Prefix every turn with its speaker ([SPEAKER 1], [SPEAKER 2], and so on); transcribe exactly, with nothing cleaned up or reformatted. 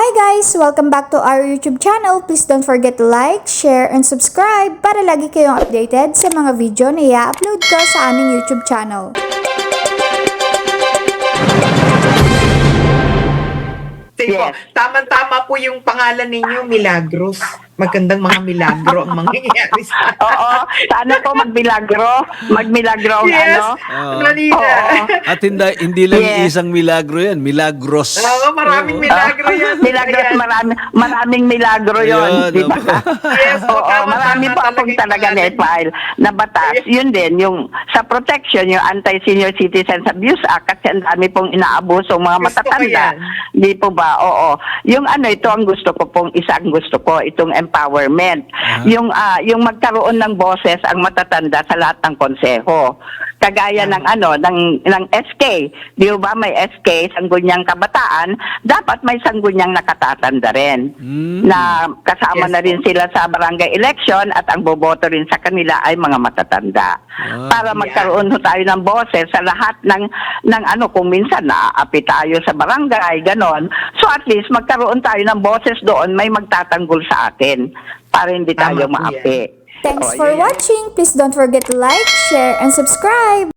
[SPEAKER 1] guys! Welcome back to our YouTube channel. Please don't forget to like, share, and subscribe para lagi kayong updated sa mga video na i-upload ko sa aming YouTube channel.
[SPEAKER 2] Yes. Tama-tama po yung pangalan ninyo, Milagros. Magandang mga milagro ang mangyayari sa
[SPEAKER 3] Oo, sana po magmilagro. Magmilagro ang
[SPEAKER 2] Yes,
[SPEAKER 3] ano.
[SPEAKER 4] Oo.
[SPEAKER 2] Manila.
[SPEAKER 3] Oo.
[SPEAKER 4] At hindi, hindi lang
[SPEAKER 3] Yes.
[SPEAKER 4] isang milagro yan, milagros.
[SPEAKER 2] Oo, maraming milagro yan.
[SPEAKER 3] Milagro,
[SPEAKER 2] Ayan.
[SPEAKER 3] marami, maraming milagro yon,
[SPEAKER 4] Ayun,
[SPEAKER 3] di ba?
[SPEAKER 4] opo.
[SPEAKER 2] Yes,
[SPEAKER 3] Oo,
[SPEAKER 2] tama,
[SPEAKER 3] marami
[SPEAKER 2] tama
[SPEAKER 3] po akong
[SPEAKER 2] talaga
[SPEAKER 3] talaga
[SPEAKER 2] yung
[SPEAKER 3] net file na batas.
[SPEAKER 2] Yes.
[SPEAKER 3] Yun din, yung sa protection, yung Anti-Senior Citizens Abuse Act, kasi ang dami pong inaabuso ang mga
[SPEAKER 2] Gusto ko
[SPEAKER 3] matatanda.
[SPEAKER 2] yan.
[SPEAKER 3] Di po ba? Oo. Yung ano, ito ang gusto ko pong, isa ang gusto ko, itong empowerment.
[SPEAKER 4] Ah.
[SPEAKER 3] Yung ah, yung magkaroon ng boses ang matatanda sa lahat ng konseho. Kagaya ng ano ng ng S K, di ba may S K sangguniang kabataan, dapat may sangguniang nakatatanda rin.
[SPEAKER 4] Mm.
[SPEAKER 3] Na kasama
[SPEAKER 2] Yes,
[SPEAKER 3] na rin
[SPEAKER 2] po.
[SPEAKER 3] sila sa barangay election at ang boboto rin sa kanila ay mga matatanda.
[SPEAKER 4] Ah,
[SPEAKER 3] Para magkaroon ho tayo ng boses sa lahat ng ng ano kung minsan naaapi tayo sa barangay, ganon. So at least magkaroon tayo ng boses doon, may magtatanggol sa atin para hindi tayo
[SPEAKER 2] Tama po
[SPEAKER 3] maapi.
[SPEAKER 1] Thanks
[SPEAKER 3] Oh,
[SPEAKER 1] for
[SPEAKER 3] yun.
[SPEAKER 1] watching. Please don't forget to like, share, and subscribe.